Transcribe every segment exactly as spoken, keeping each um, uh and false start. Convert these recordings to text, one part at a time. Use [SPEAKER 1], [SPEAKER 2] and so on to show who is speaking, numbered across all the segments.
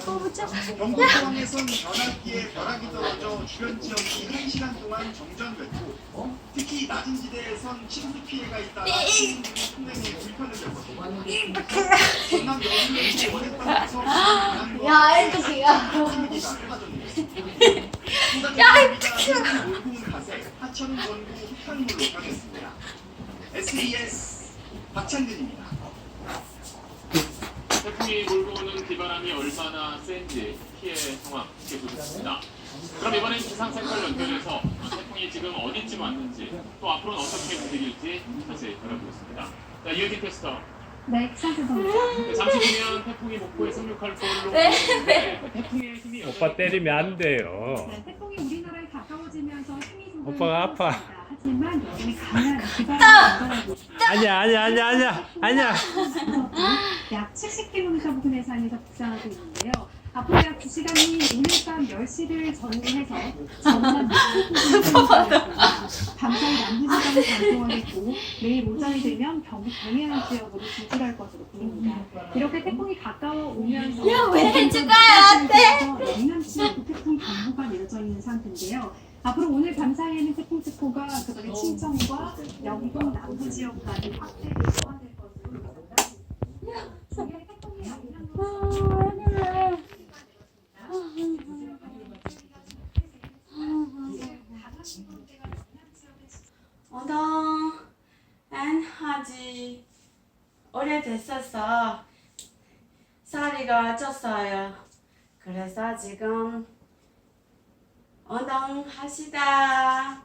[SPEAKER 1] 뽑자.
[SPEAKER 2] 경북공항에선 변압기에 벼락이 떨어져 주변 지역이 한 시간 동안 정전됐고, 특히 낮은 지대에선 침수 피해가 있다가 시민들이 통행에 불편을 겪었고, 전남 여수에서 원했던 구석
[SPEAKER 1] 야, 이쪽이야.
[SPEAKER 2] 야, 이쪽이야. 몰고온 가세 하천 전구 흑탕물로 가겠습니다. 에스비에스 박찬근입니다.
[SPEAKER 3] 태풍이 몰고 오는 비바람이 얼마나 센지 피해 상황 지켜보겠습니다. 그럼 이번엔 기상센터 연결해서 태풍이 지금 어디쯤 왔는지 또 앞으로는 어떻게 움직일지 자세히 알아보겠습니다. 자, 이현진 캐스터.
[SPEAKER 4] 네, 기상센터입니다.
[SPEAKER 3] 네, 잠시 뒤면 태풍이 목포에 상륙할 걸로
[SPEAKER 1] 네.
[SPEAKER 3] 보이는데 태풍의 힘이
[SPEAKER 5] 오빠 때리면 안 돼요.
[SPEAKER 4] 네, 태풍이 우리나라에 가까워지면서 힘이 조금
[SPEAKER 5] 오빠가 아파.
[SPEAKER 4] 줄었습니다. 하지만 여전히 강한 기반을
[SPEAKER 5] 아니야, 아니야, 아니야, 아니야, 아니야.
[SPEAKER 4] 약 칠십 킬로미터 부근 해상에서 북상하고 있는데요. 앞으로 약 두 시간이 오늘 밤 열 시를 전후해서 전남 밤사이 남부지방을 강풍하겠고 내일 오전이 되면 경북 동해안 지역으로 진출할 것으로 보입니다. 이렇게 태풍이 가까워 오면서
[SPEAKER 1] 야, 왜 죽어야 돼?
[SPEAKER 4] 영남지역 태풍 경보가 내려져 있는 상태인데요. 앞으로 오늘 밤사이에는 태풍 특보가 그다음에 친정과 영동 남부 지역까지 확대를 포함될 것으로 예상됩니다. 중에 태풍이 영향으로
[SPEAKER 1] 어동 안 하지. 오래됐었어. 쌀이가 쪘어요. 그래서 지금 어동 하시다.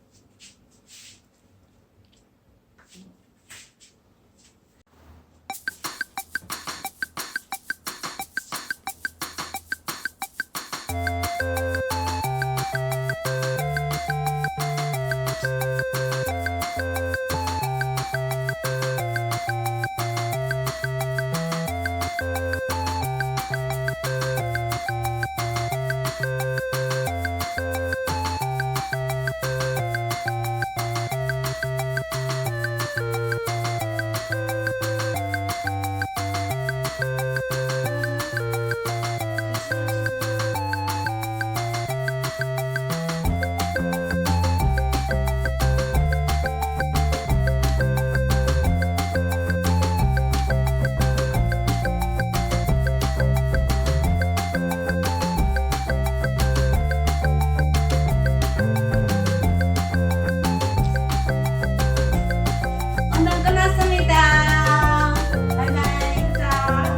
[SPEAKER 1] 운동 끝났습니다. 바이바이. 자.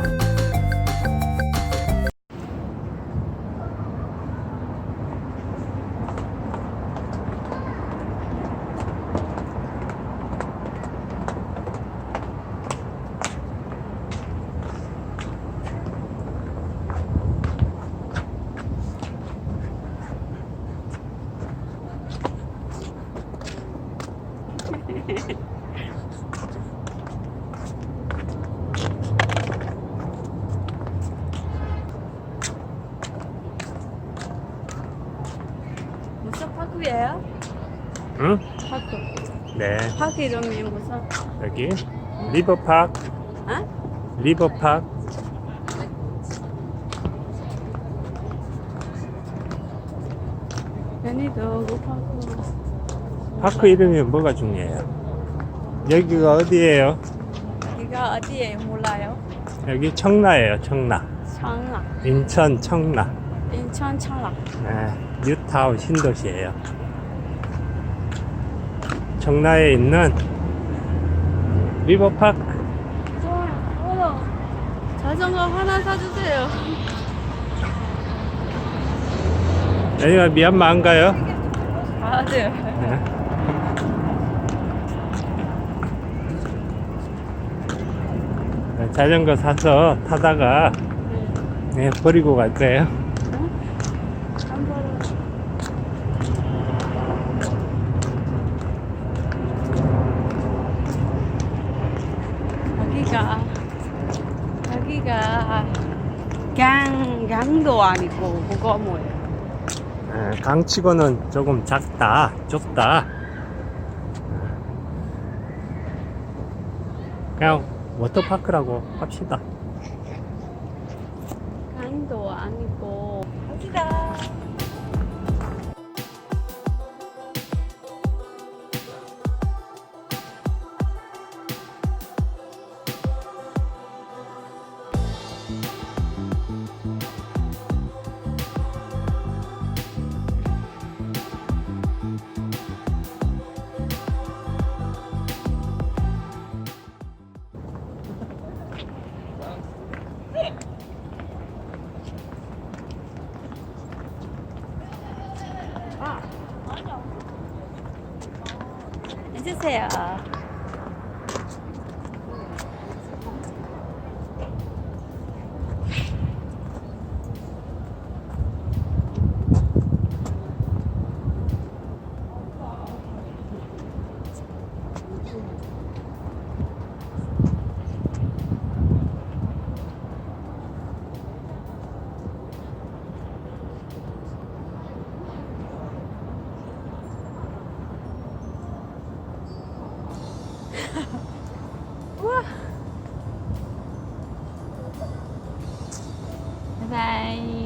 [SPEAKER 1] 무슨 파크예요?
[SPEAKER 5] 응?
[SPEAKER 1] 파크.
[SPEAKER 5] 네.
[SPEAKER 1] 파크 이름이 무슨?
[SPEAKER 5] 여기 리버파크,
[SPEAKER 1] 어?
[SPEAKER 5] 리버파크.
[SPEAKER 1] 연희도 그 파크.
[SPEAKER 5] 파크 이름이 뭐가 중요해요? 여기가 어디예요?
[SPEAKER 1] 여기가 어디에 몰라요?
[SPEAKER 5] 여기 청라예요, 청라.
[SPEAKER 1] 청라.
[SPEAKER 5] 인천 청라.
[SPEAKER 1] 인천 청라.
[SPEAKER 5] 네, 뉴타운 신도시예요. 청라에 있는 리버파크.
[SPEAKER 1] 좋아요. 자전거 하나 사주세요.
[SPEAKER 5] 여기가 미얀마인가요?
[SPEAKER 1] 맞아요.
[SPEAKER 5] 네. 자전거 사서 타다가 네, 버리고 갈 거예요.
[SPEAKER 1] 한 번은 여기가 여기가 강 강도 아니고 그거 뭐예요?
[SPEAKER 5] 네, 강치고는 조금 작다, 좁다. 그냥 워터파크라고 합시다.
[SPEAKER 1] 강 강도 아니고 갑시다. 해주세요. 우와. 바이바이.